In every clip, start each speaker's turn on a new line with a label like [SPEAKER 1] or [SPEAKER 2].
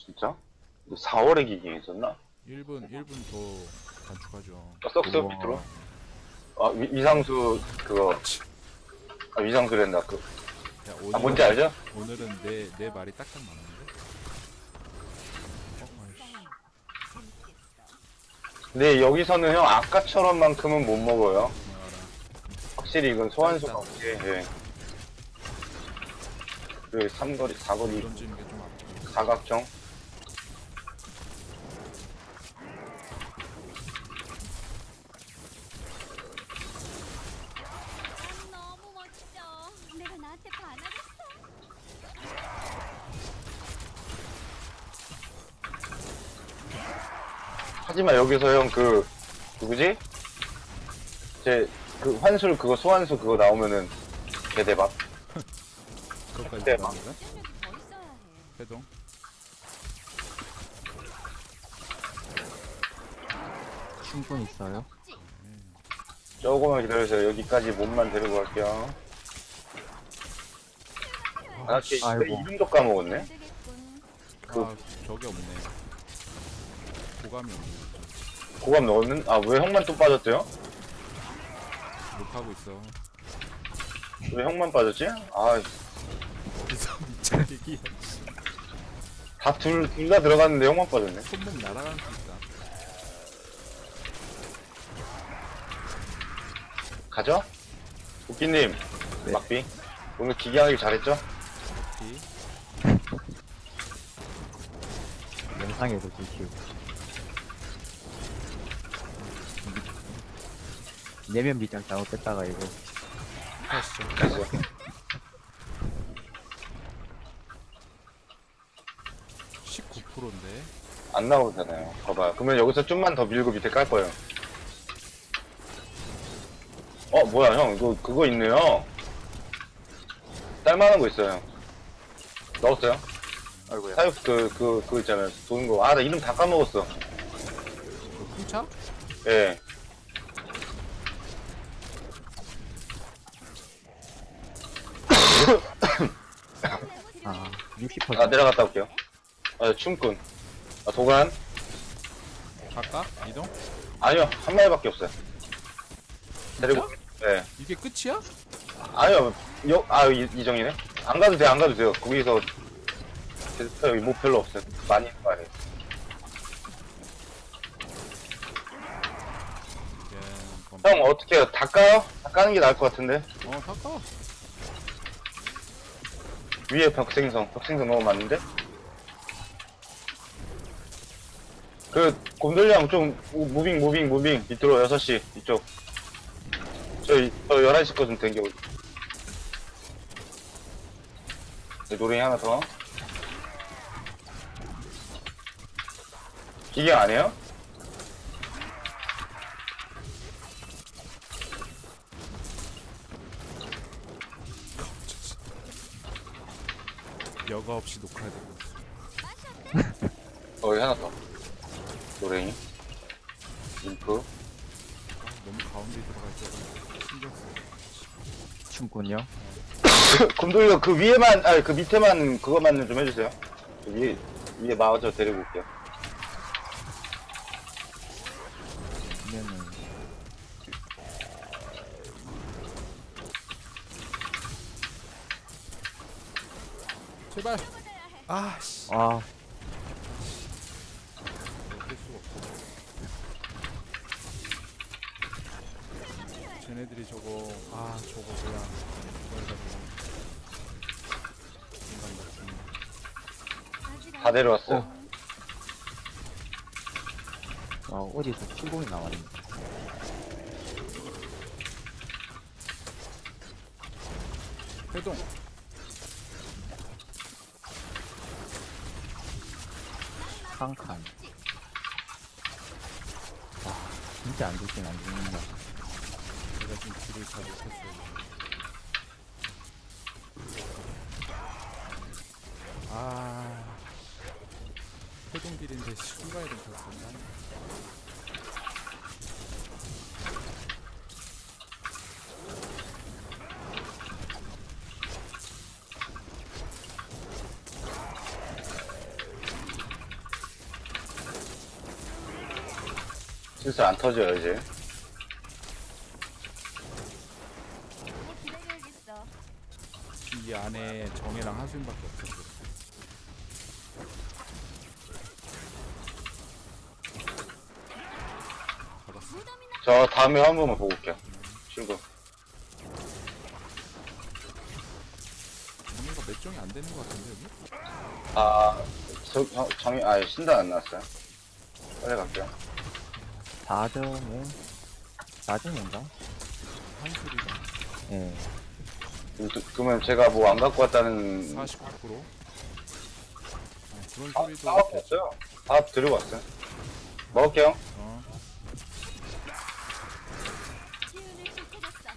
[SPEAKER 1] 진짜? 4월에 기ging 있었나?
[SPEAKER 2] 1분 더 단축하죠.
[SPEAKER 1] 썩썩 밑으로? 아, 위상수, 그거. 아, 위상수랜다.
[SPEAKER 2] 야,
[SPEAKER 1] 뭔지 알죠?
[SPEAKER 2] 오늘은 내 말이 딱딱 맞는데? 아이씨.
[SPEAKER 1] 근데 여기서는 형, 아까처럼만큼은 못 먹어요.
[SPEAKER 2] 알아.
[SPEAKER 1] 확실히 이건 소환수가 없게, 예. 그, 삼거리, 사거리,
[SPEAKER 2] 던지는 게 좀 아프고.
[SPEAKER 1] 사각형.
[SPEAKER 3] 너무 멋져. 내가 나한테 반하겠어.
[SPEAKER 1] 하지만 여기서 형, 누구지? 환술, 소환수 그거 나오면은, 개대박.
[SPEAKER 2] 그것까지
[SPEAKER 1] 네,
[SPEAKER 2] 들어갑니다.
[SPEAKER 3] 戰力더 있어야 해.
[SPEAKER 2] 해동.
[SPEAKER 4] 충분 있어요?
[SPEAKER 3] 없지?
[SPEAKER 1] 조금만 기다려주세요. 여기까지 몸만 데리고 갈게요. 아, 걔
[SPEAKER 4] 아이고.
[SPEAKER 1] 이름도 까먹었네?
[SPEAKER 3] 안 되겠군.
[SPEAKER 2] 아, 저게 없네. 고감이 없네.
[SPEAKER 1] 고감 넣었는? 아, 왜 형만 또 빠졌대요?
[SPEAKER 2] 욕하고 있어.
[SPEAKER 1] 왜 형만 빠졌지? 아,
[SPEAKER 2] 어디서 미친 얘기야.
[SPEAKER 1] 둘 다 들어갔는데 형만 빠졌네.
[SPEAKER 2] 손목 날아가는 수 있다.
[SPEAKER 1] 가죠? 웃기님,
[SPEAKER 4] 네.
[SPEAKER 1] 막비. 오늘 기계하기 잘했죠?
[SPEAKER 2] 오케이.
[SPEAKER 4] 영상에도 지키고. 내면 밑장 잘못했다가 이거
[SPEAKER 2] 하시죠.
[SPEAKER 1] 됐어.
[SPEAKER 2] 19%인데.
[SPEAKER 1] 안 나오잖아요. 봐봐요. 그러면 여기서 좀만 더 밀고 밑에 깔 거예요. 뭐야, 형. 그거 있네요. 딸만한 거 있어요. 넣었어요?
[SPEAKER 4] 아이고야.
[SPEAKER 1] 사육, 그거 있잖아요. 도는 거. 아, 나 이름 다 까먹었어.
[SPEAKER 2] 그 풍차?
[SPEAKER 1] 예.
[SPEAKER 4] 아 60%.
[SPEAKER 1] 내려갔다 올게요. 춤꾼. 도관.
[SPEAKER 2] 갈까? 이동?
[SPEAKER 1] 아니요, 한 마리밖에 없어요. 데리고, 예.
[SPEAKER 2] 이게 끝이야?
[SPEAKER 1] 아니요, 이정이네? 안 가도 안 가도 돼요. 거기서, 여기 뭐 별로 없어요. 많이 있는 거 아니에요. 형, 어떻게 해요? 다 까요? 다 까는 게 나을 것 같은데?
[SPEAKER 2] 갈까?
[SPEAKER 1] 위에 벽생성 너무 많은데? 곰돌이랑 좀, 무빙, 밑으로 6시, 이쪽. 저 11시 거 좀 댕겨. 노랭이 하나 더. 기계 안 해요?
[SPEAKER 2] 여과 없이 녹화되고 있어.
[SPEAKER 1] 여기 하나 더. 노랭이. 인프.
[SPEAKER 2] 너무 가운데 들어갈 때 신경 쓰여.
[SPEAKER 4] 춤꾼요?
[SPEAKER 1] 곰돌이가 그 위에만, 그 밑에만 그거만 좀 해주세요. 위에 마저 데리고 올게요.
[SPEAKER 4] 그러면은
[SPEAKER 2] 제발. 아씨.
[SPEAKER 4] 아
[SPEAKER 2] 어쩔 수가 없어. 쟤네들이 저거 뭐야? 그걸 가지고 인간 같은.
[SPEAKER 3] 아직
[SPEAKER 1] 다 내려왔어요.
[SPEAKER 4] 어디서 춤공이 나왔네.
[SPEAKER 2] 회동.
[SPEAKER 4] 한 칸. 와 진짜 안 죽긴 안 죽는다.
[SPEAKER 2] 내가 지금 길을 잘 못했어요. 회동길인데 순간에 좀 졌었나?
[SPEAKER 1] 슬슬 안 터져요, 이제.
[SPEAKER 3] 기다려야겠어.
[SPEAKER 2] 이 안에 정혜랑 하수인밖에 없어. 잡았어.
[SPEAKER 3] 무덤이나
[SPEAKER 1] 저 다음에 한 번만 보고 올게요. 친구.
[SPEAKER 2] 정혜가 몇 정이 안 되는 것 같은데 여기?
[SPEAKER 1] 아, 정이, 신단 안 나왔어요. 빨리 갈게요.
[SPEAKER 4] 4점에 4점인가?
[SPEAKER 2] 한술이가
[SPEAKER 4] 예.
[SPEAKER 1] 그러면 제가 뭐 안 갖고 왔다는.
[SPEAKER 2] 49%. 그런
[SPEAKER 1] 아,
[SPEAKER 2] 소리도
[SPEAKER 1] 싸갖고 왔어요. 다 들고 왔어요. 먹을게요.
[SPEAKER 2] 어.
[SPEAKER 3] 기운을 쏟아졌어.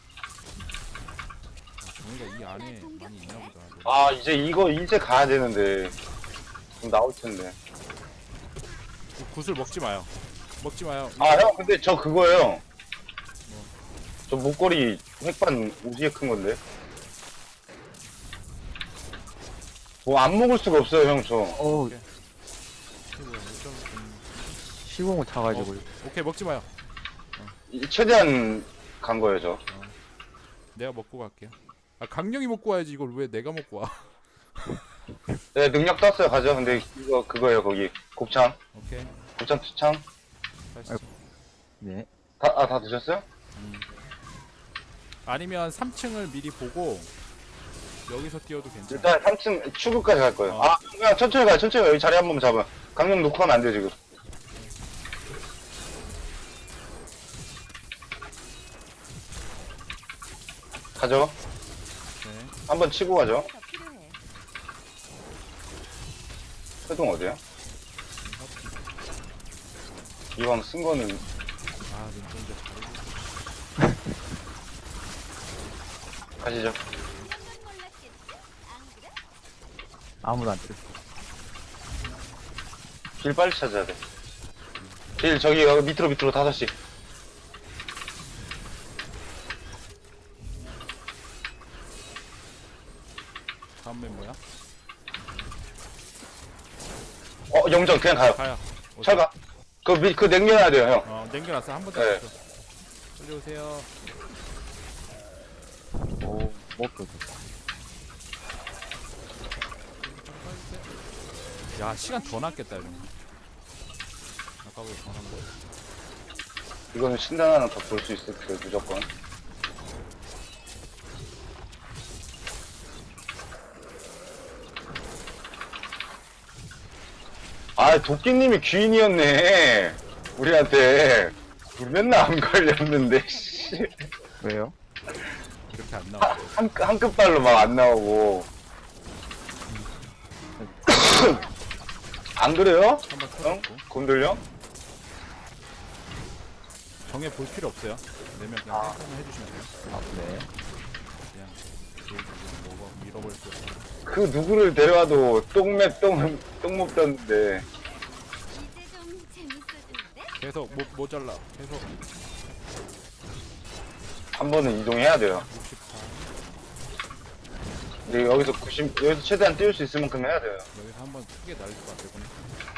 [SPEAKER 2] 정혜가 이 안에 많이 있나 보다.
[SPEAKER 1] 아, 이제 가야 되는데. 좀 나올 텐데.
[SPEAKER 2] 구슬 먹지 마요. 먹지 마요.
[SPEAKER 1] 아, 형, 근데 저 그거예요. 저 목걸이 획반 오지게 큰 건데. 뭐 안 먹을 수가 없어요, 형, 저.
[SPEAKER 4] 어우,
[SPEAKER 2] 이게 뭐야,
[SPEAKER 4] 시공을 타가지고.
[SPEAKER 2] 오케이 먹지 마요.
[SPEAKER 1] 최대한 간 거예요, 저.
[SPEAKER 2] 내가 먹고 갈게요. 아 강령이 먹고 와야지 이걸 왜 내가 먹고 와?
[SPEAKER 1] 네, 능력 떴어요, 가죠. 근데 그거예요, 거기. 곱창.
[SPEAKER 2] 오케이.
[SPEAKER 1] 곱창 투창.
[SPEAKER 2] 가시죠.
[SPEAKER 4] 네.
[SPEAKER 1] 다 드셨어요?
[SPEAKER 2] 아니면 3층을 미리 보고 여기서 뛰어도 괜찮아.
[SPEAKER 1] 일단 3층 출구까지 갈 거예요.
[SPEAKER 2] 어.
[SPEAKER 1] 아, 그냥 천천히 가요, 천천히 가요. 여기 자리 한 번만 잡아. 강령 놓고 하면 안 돼요, 지금. 가죠.
[SPEAKER 2] 네.
[SPEAKER 1] 한번 치고 가죠.
[SPEAKER 3] 더 필요해.
[SPEAKER 1] 회동 어디야? 이왕 쓴 거는
[SPEAKER 2] 아 눈동자 잘해줘.
[SPEAKER 1] 가시죠.
[SPEAKER 3] 이런 건 몰랐겠지? 안 그래?
[SPEAKER 4] 아무도 안 들었어.
[SPEAKER 1] 길 빨리 찾아야 돼. 길 저기 여기 밑으로 5시.
[SPEAKER 2] 다음 멤버야?
[SPEAKER 1] 영정 그냥 가요.
[SPEAKER 2] 가요. 오세요.
[SPEAKER 1] 철가. 그 냉겨놔야 돼요, 형.
[SPEAKER 2] 냉겨놨어. 한 번 더.
[SPEAKER 1] 네.
[SPEAKER 2] 빨리 오세요.
[SPEAKER 4] 오, 먹고 좋다.
[SPEAKER 2] 야 시간 더 낫겠다 이러면. 아까보다 더 낫네.
[SPEAKER 1] 이거는 신단 하나 더 볼 수 있을 거예요, 무조건. 아, 도끼님이 귀인이었네. 우리한테. 우리 맨날 안 걸렸는데, 씨.
[SPEAKER 4] 왜요?
[SPEAKER 2] 이렇게 안 나와.
[SPEAKER 1] 한 끝발로 막 안 나오고. 안 그래요?
[SPEAKER 2] 한번
[SPEAKER 1] 형?
[SPEAKER 2] 터졌고.
[SPEAKER 1] 곰돌려?
[SPEAKER 2] 정해 볼 필요 없어요. 내면 그냥
[SPEAKER 1] 아.
[SPEAKER 2] 땡땡만 해주시면 돼요.
[SPEAKER 4] 아, 네.
[SPEAKER 2] 그냥 그냥 뭐가 밀어버릴 거예요.
[SPEAKER 1] 그 누구를 데려와도 똥 먹던데.
[SPEAKER 3] 이제 좀 재밌어지는데?
[SPEAKER 2] 계속 모자라. 계속
[SPEAKER 1] 한 번은 이동해야 돼요.
[SPEAKER 2] 64.
[SPEAKER 1] 근데 여기서 여기서 최대한 띄울 수 있을 만큼 해야 돼요.
[SPEAKER 2] 여기서 한번 크게 날릴 것 같아 보니.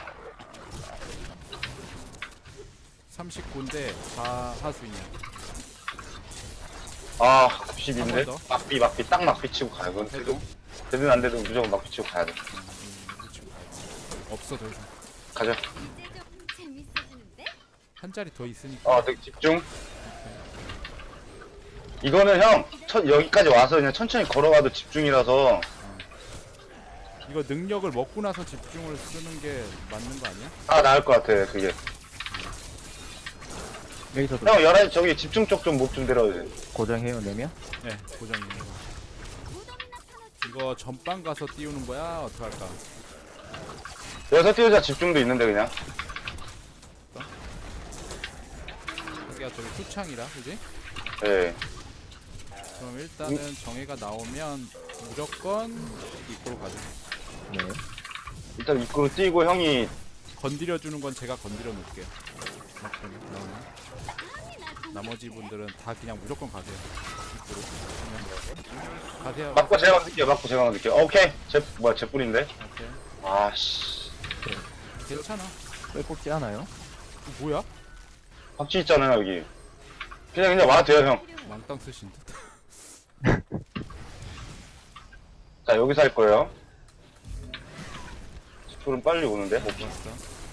[SPEAKER 2] 39인데 다 하수인이야.
[SPEAKER 1] 아,
[SPEAKER 2] 한번
[SPEAKER 1] 90인데?
[SPEAKER 2] 더.
[SPEAKER 1] 막비, 딱 막비 치고 가요. 그건
[SPEAKER 2] 해도?
[SPEAKER 1] 되든 안 되든 무조건 막비 치고 가야 돼.
[SPEAKER 2] 없어 더 이상.
[SPEAKER 1] 가자.
[SPEAKER 3] 이제 좀 재밌어지는데?
[SPEAKER 2] 한 자리 더 있으니까.
[SPEAKER 1] 되게 집중. 이거는 형, 여기까지 와서 그냥 천천히 걸어가도 집중이라서.
[SPEAKER 2] 이거 능력을 먹고 나서 집중을 쓰는 게 맞는 거 아니야?
[SPEAKER 1] 나을 것 같아, 그게.
[SPEAKER 4] 여기서도
[SPEAKER 1] 형, 11시 저기 집중 쪽 좀 목 좀 데려야 돼.
[SPEAKER 4] 고정해요, 내면?
[SPEAKER 2] 네, 고정이에요.
[SPEAKER 3] 무덤이나 파놓지.
[SPEAKER 2] 이거 전방 가서 띄우는 거야? 어떡할까?
[SPEAKER 1] 여기서 띄우자 집중도 있는데, 그냥.
[SPEAKER 2] 여기가 저기 투창이라, 그지?
[SPEAKER 1] 예.
[SPEAKER 2] 그럼 일단은 정해가 나오면 무조건 입구로 가죠.
[SPEAKER 4] 네.
[SPEAKER 1] 일단 입구로 뛰고 형이,
[SPEAKER 2] 건드려주는 건 제가 건드려 놓을게요. 나오면. 나머지 분들은 다 그냥 무조건 가세요. 입구로. 그냥 가세요.
[SPEAKER 1] 맞고 제가 만들게요, 맞고 제가 만들게요. 오케이. 제 뿔인데?
[SPEAKER 2] 오케이.
[SPEAKER 1] 아씨.
[SPEAKER 2] 괜찮아.
[SPEAKER 4] 왜 꼽지 않아요?
[SPEAKER 2] 뭐야?
[SPEAKER 1] 박쥐 있잖아요, 여기. 그냥 와도 돼요, 형.
[SPEAKER 2] 왕땅 쓰신 듯.
[SPEAKER 1] 자, 여기서 할 거예요. 스프는 빨리 오는데?
[SPEAKER 2] 봤어.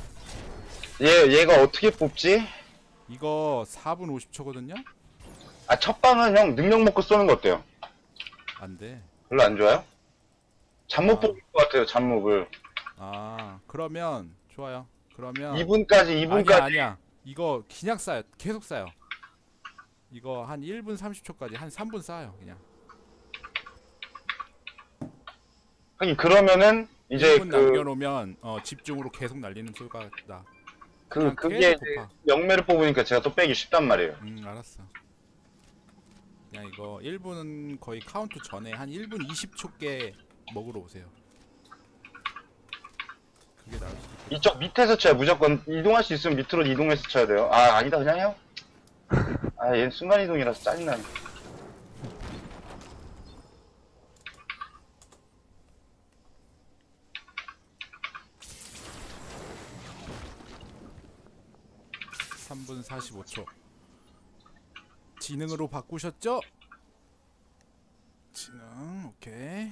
[SPEAKER 1] 얘가 어떻게 뽑지?
[SPEAKER 2] 이거 4분 50초거든요?
[SPEAKER 1] 아, 첫 방은 형 능력 먹고 쏘는 거 어때요?
[SPEAKER 2] 안 돼.
[SPEAKER 1] 별로 안 좋아요? 잠못
[SPEAKER 2] 아.
[SPEAKER 1] 뽑을 것 같아요, 잠목을.
[SPEAKER 2] 아, 그러면 좋아요. 그러면
[SPEAKER 1] 2분까지.
[SPEAKER 2] 아니야. 이거 그냥 쌓여. 계속 쌓여. 이거 한 1분 30초까지 한 3분 쌓아요, 그냥.
[SPEAKER 1] 하긴 그러면은 이제
[SPEAKER 2] 1분 남겨놓으면 집중으로 계속 날리는 소리가 나. 그냥
[SPEAKER 1] 그게
[SPEAKER 2] 계속
[SPEAKER 1] 이제
[SPEAKER 2] 곱하.
[SPEAKER 1] 영매를 뽑으니까 제가 또 빼기 쉽단 말이에요.
[SPEAKER 2] 알았어. 그냥 이거 1분은 거의 카운트 전에 한 1분 20초께 먹으러 오세요. 그게 나을 수도 있고.
[SPEAKER 1] 이쪽 밑에서 쳐야 무조건 이동할 수 있으면 밑으로 이동해서 쳐야 돼요. 아, 아니다, 그냥 해요. 아, 얘는 순간이동이라서 짜증나네.
[SPEAKER 2] 삼 분 45초. 지능으로 바꾸셨죠? 지능, 오케이.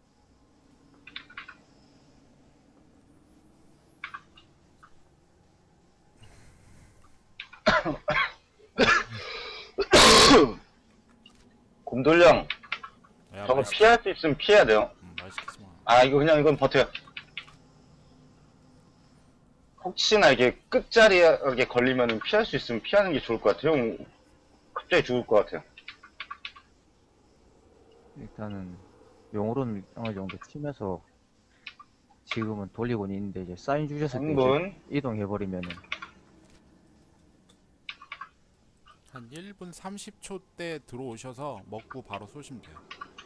[SPEAKER 1] 곰돌령,
[SPEAKER 2] 야,
[SPEAKER 1] 저거
[SPEAKER 2] 말,
[SPEAKER 1] 피할 수 있으면 피해야 돼요.
[SPEAKER 2] 말 시키지 마.
[SPEAKER 1] 아, 이건 버텨요. 혹시나 이게 끝자리에 걸리면 피할 수 있으면 피하는 게 좋을 것 같아요. 형, 갑자기 죽을 것 같아요.
[SPEAKER 4] 일단은 용으로는 어느 정도 치면서 지금은 돌리고는 있는데 이제 사인 주셨을 때 이제
[SPEAKER 1] 3분.
[SPEAKER 4] 이동해버리면은
[SPEAKER 2] 한 1분 30초 때 들어오셔서 먹고 바로 쏘시면 돼요.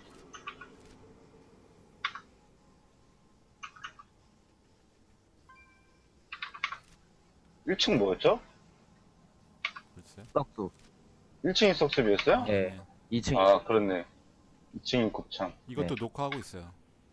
[SPEAKER 1] 일 1층 뭐였죠?
[SPEAKER 2] 글쎄.
[SPEAKER 4] 떡도
[SPEAKER 1] 1층이 석습이었어요?
[SPEAKER 4] 예. 2층
[SPEAKER 1] 아, 그렇네. 2층이 곱창.
[SPEAKER 2] 이것도 녹화하고 있어요.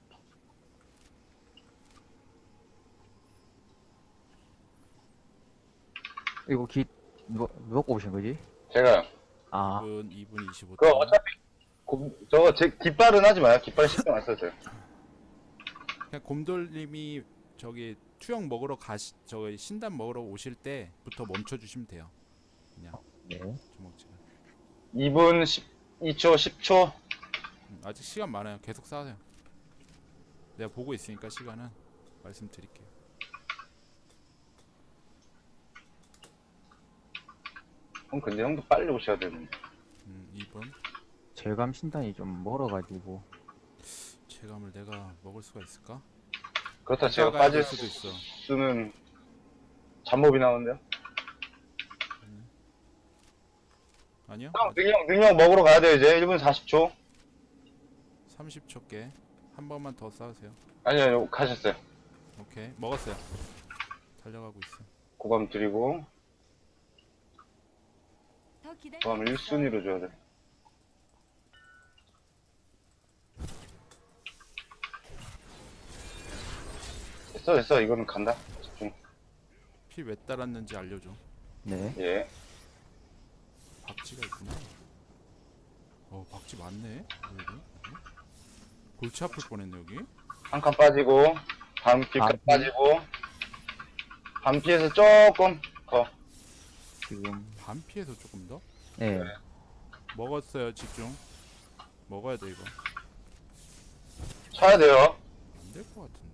[SPEAKER 4] 이거 누가 꼽으신 거지?
[SPEAKER 1] 제가,
[SPEAKER 4] 아
[SPEAKER 2] 2분 25초.
[SPEAKER 1] 그거 어차피, 저거 제 깃발은 하지 마요. 깃발 신경 안 써도 돼요.
[SPEAKER 2] 그냥 곰돌님이 저기 투영 먹으러 저기 신단 먹으러 오실 때부터 멈춰 주시면 돼요. 그냥
[SPEAKER 4] 네.
[SPEAKER 2] 주먹질을.
[SPEAKER 1] 2분 12초, 10초.
[SPEAKER 2] 아직 시간 많아요. 계속 쌓으세요. 내가 보고 있으니까 시간은 말씀드릴게요.
[SPEAKER 1] 형, 근데 형도 빨리 오셔야 되는데.
[SPEAKER 2] 2분.
[SPEAKER 4] 절감 신단이 좀 멀어가지고
[SPEAKER 2] 체감을 내가 먹을 수가 있을까?
[SPEAKER 1] 그렇다 제가
[SPEAKER 2] 가야 될
[SPEAKER 1] 빠질
[SPEAKER 2] 수도 있어.
[SPEAKER 1] 수는 잠몹이 나오는데요?
[SPEAKER 2] 아니요?
[SPEAKER 1] 형, 능력 먹으러 가야 돼요, 이제. 1분 40초.
[SPEAKER 2] 30초께 한 번만 더 쌓으세요.
[SPEAKER 1] 아니요, 가셨어요.
[SPEAKER 2] 오케이, 먹었어요. 달려가고 있어.
[SPEAKER 1] 고감 드리고,
[SPEAKER 3] 더 기다려.
[SPEAKER 1] 고감을 1순위로 줘야 돼. 됐어. 이거는 간다. 집중.
[SPEAKER 2] 피 왜 따랐는지 알려줘.
[SPEAKER 4] 네.
[SPEAKER 1] 예.
[SPEAKER 2] 박쥐가 있구나. 박쥐 많네. 여기. 골치 아플 뻔했네 여기.
[SPEAKER 1] 한 칸 빠지고, 반피까지
[SPEAKER 4] 반피.
[SPEAKER 1] 빠지고, 반피에서 조금 더.
[SPEAKER 4] 지금
[SPEAKER 2] 반피에서 조금 더.
[SPEAKER 4] 네.
[SPEAKER 2] 먹었어요. 집중. 먹어야 돼 이거.
[SPEAKER 1] 쳐야 돼요.
[SPEAKER 2] 안 될 것 같은데.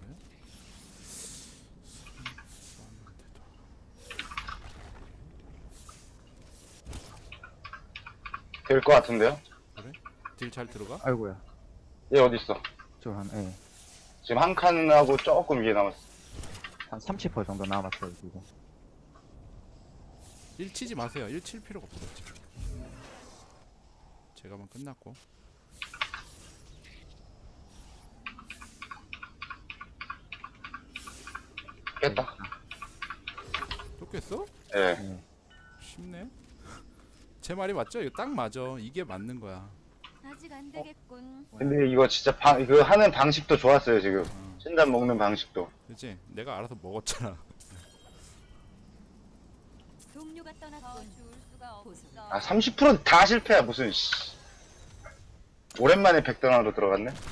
[SPEAKER 1] 될 것 같은데요?
[SPEAKER 2] 그래? 딜 잘 들어가?
[SPEAKER 4] 아이고야.
[SPEAKER 1] 얘 어딨어?
[SPEAKER 4] 예.
[SPEAKER 1] 지금 한 칸하고 조금 위에 남았어.
[SPEAKER 4] 한 30% 정도 남았어요 지금.
[SPEAKER 2] 1 치지 마세요. 1 칠 필요가 없어 지금. 제가만 끝났고.
[SPEAKER 1] 깼다.
[SPEAKER 2] 또 깼어?
[SPEAKER 1] 예.
[SPEAKER 4] 네.
[SPEAKER 2] 쉽네. 제 말이 맞죠? 이거 딱 맞아. 이게 맞는 거야.
[SPEAKER 3] 아직 안 되겠군.
[SPEAKER 1] 근데 이거 진짜 이거 하는 방식도 좋았어요, 지금. 신단 먹는 방식도.
[SPEAKER 2] 그치? 내가 알아서 먹었잖아.
[SPEAKER 3] 동료가 떠났군.
[SPEAKER 5] 줄 수가 없어.
[SPEAKER 1] 아 30%다 실패야 무슨 씨. 오랜만에 백던화로 들어갔네.